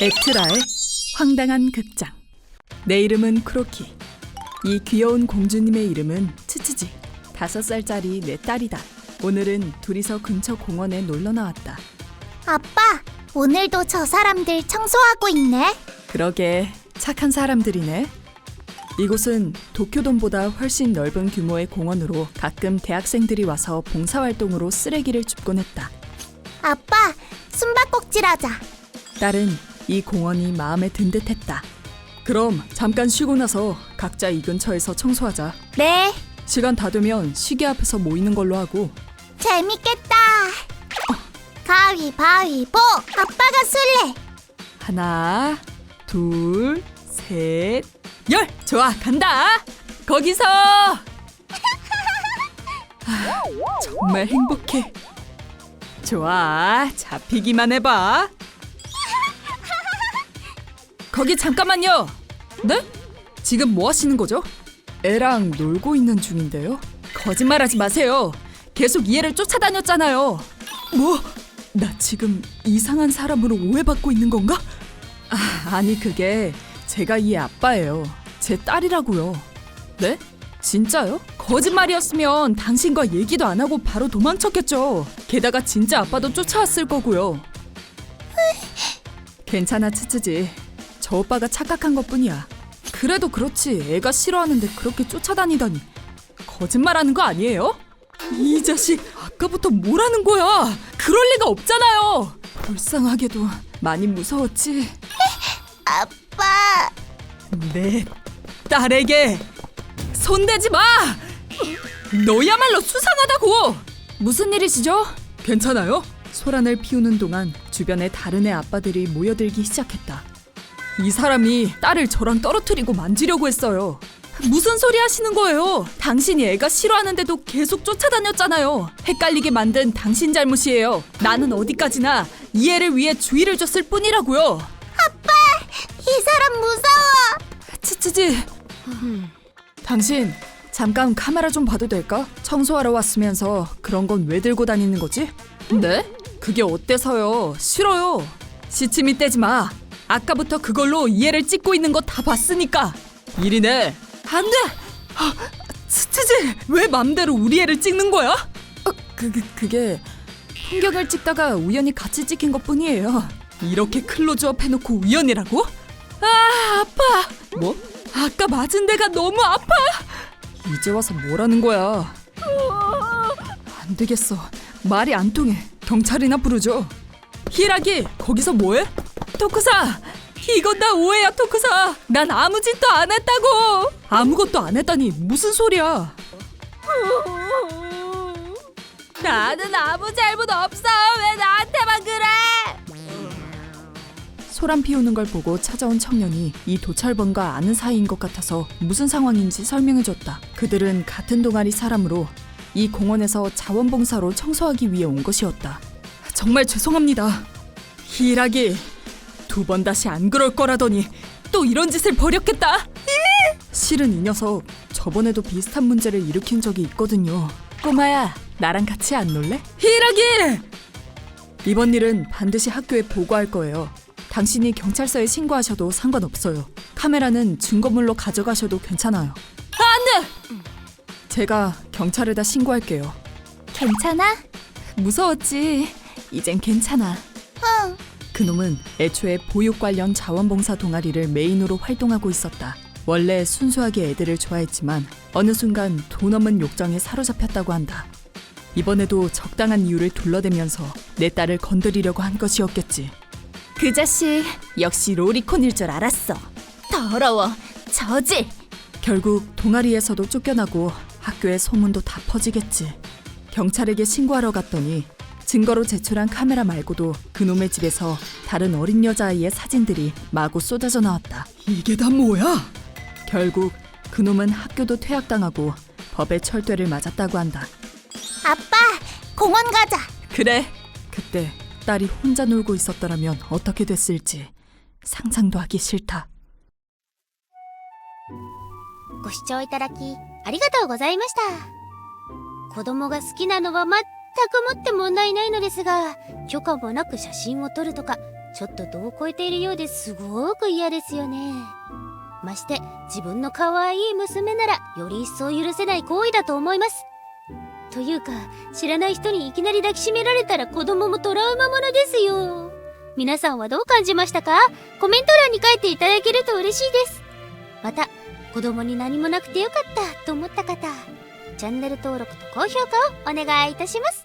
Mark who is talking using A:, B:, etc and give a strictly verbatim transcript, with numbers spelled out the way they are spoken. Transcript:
A: 에트라의 황당한 극장. 내 이름은 크로키. 이 귀여운 공주님의 이름은 츠츠지. 다섯 살짜리 내 딸이다. 오늘은 둘이서 근처 공원에 놀러 나왔다.
B: 아빠, 오늘도 저 사람들 청소하고 있네.
A: 그러게 착한 사람들이네. 이곳은 도쿄돔보다 훨씬 넓은 규모의 공원으로 가끔 대학생들이 와서 봉사활동으로 쓰레기를 줍곤 했다.
B: 아빠, 숨바꼭질하자.
A: 딸은 이 공원이 마음에 든 듯했다. 그럼 잠깐 쉬고 나서 각자 이 근처에서 청소하자.
B: 네,
A: 시간 다 되면 시계 앞에서 모이는 걸로 하고.
B: 재밌겠다. 가위바위보, 아빠가 술래.
A: 하나, 둘, 셋, 열! 좋아, 간다! 거기서! 아, 정말 행복해. 좋아, 잡히기만 해봐. 거기 잠깐만요. 네? 지금 뭐 하시는 거죠? 애랑 놀고 있는 중인데요. 거짓말하지 마세요. 계속 이 애를 쫓아다녔잖아요. 뭐? 나 지금 이상한 사람으로 오해받고 있는 건가? 아, 아니 그게 제가 이 애 아빠예요. 제 딸이라고요. 네? 진짜요? 거짓말이었으면 당신과 얘기도 안 하고 바로 도망쳤겠죠. 게다가 진짜 아빠도 쫓아왔을 거고요. 괜찮아 츠츠지. 저 오빠가 착각한 것뿐이야. 그래도 그렇지 애가 싫어하는데 그렇게 쫓아다니다니. 거짓말하는 거 아니에요? 이 자식 아까부터 뭐라는 거야. 그럴 리가 없잖아요. 불쌍하게도 많이 무서웠지.
B: 아빠,
A: 내 딸에게 손대지 마! 너야말로 수상하다고! 무슨 일이시죠? 괜찮아요? 소란을 피우는 동안 주변에 다른 애 아빠들이 모여들기 시작했다. 이 사람이 딸을 저랑 떨어뜨리고 만지려고 했어요. 무슨 소리 하시는 거예요? 당신이 애가 싫어하는데도 계속 쫓아다녔잖아요. 헷갈리게 만든 당신 잘못이에요. 나는 어디까지나 이 애를 위해 주의를 줬을 뿐이라고요.
B: 아빠, 이 사람 무서워.
A: 츠츠지. 당신 잠깐 카메라 좀 봐도 될까? 청소하러 왔으면서 그런 건 왜 들고 다니는 거지? 네? 그게 어때서요? 싫어요. 시치미 떼지 마. 아까부터 그걸로 이 애를 찍고 있는 거 다 봤으니까. 일이네. 안 돼! 아, 츠츠지! 왜 맘대로 우리 애를 찍는 거야? 어, 그, 그, 그게 풍경을 찍다가 우연히 같이 찍힌 것뿐이에요. 이렇게 클로즈업 해놓고 우연이라고? 아, 아파! 뭐? 아까 맞은 데가 너무 아파! 이제 와서 뭐라는 거야? 안 되겠어. 말이 안 통해. 경찰이나 부르죠. 히라기, 거기서 뭐해? 토쿠사! 이건 다 오해야, 토쿠사! 난 아무 짓도 안 했다고! 아무것도 안 했다니 무슨 소리야? 나는 아무 잘못 없어! 왜 나한테만 그래! 소란 피우는 걸 보고 찾아온 청년이 이 도찰범과 아는 사이인 것 같아서 무슨 상황인지 설명해줬다. 그들은 같은 동아리 사람으로 이 공원에서 자원봉사로 청소하기 위해 온 것이었다. 정말 죄송합니다. 히라기, 두 번 다시 안 그럴 거라더니 또 이런 짓을 벌였겠다. 실은 이 녀석 저번에도 비슷한 문제를 일으킨 적이 있거든요. 꼬마야, 나랑 같이 안 놀래? 히라기! 이번 일은 반드시 학교에 보고할 거예요. 당신이 경찰서에 신고하셔도 상관없어요. 카메라는 증거물로 가져가셔도 괜찮아요. 안 돼! 제가 경찰에다 신고할게요.
B: 괜찮아?
A: 무서웠지? 이젠 괜찮아.
B: 응.
A: 그놈은 애초에 보육 관련 자원봉사 동아리를 메인으로 활동하고 있었다. 원래 순수하게 애들을 좋아했지만 어느 순간 돈 없는 욕정에 사로잡혔다고 한다. 이번에도 적당한 이유를 둘러대면서 내 딸을 건드리려고 한 것이었겠지. 그 자식 역시 로리콘일 줄 알았어.
B: 더러워, 저질.
A: 결국 동아리에서도 쫓겨나고 학교에 소문도 다 퍼지겠지. 경찰에게 신고하러 갔더니 증거로 제출한 카메라 말고도 그놈의 집에서 다른 어린 여자아이의 사진들이 마구 쏟아져 나왔다. 이게 다 뭐야? 결국 그놈은 학교도 퇴학당하고 법의 철퇴를 맞았다고 한다.
B: 아빠, 공원 가자.
A: 그래. 그때 딸이 혼자 놀고 있었더라면 어떻게 됐을지 상상도 하기 싫다.
B: ご視聴いただきありがとうございました。子供が好きなのは間違
C: くもって問題ないのですが、許可もなく写真を撮るとか、ちょっと度を超えているようですごく嫌ですよね。まして自分の可愛い娘ならより一層許せない行為だと思います。というか、知らない人にいきなり抱きしめられたら子供もトラウマものですよ。皆さんはどう感じましたか？コメント欄に書いていただけると嬉しいです。また、子供に何もなくてよかったと思った方、チャンネル登録と高評価をお願いいたします。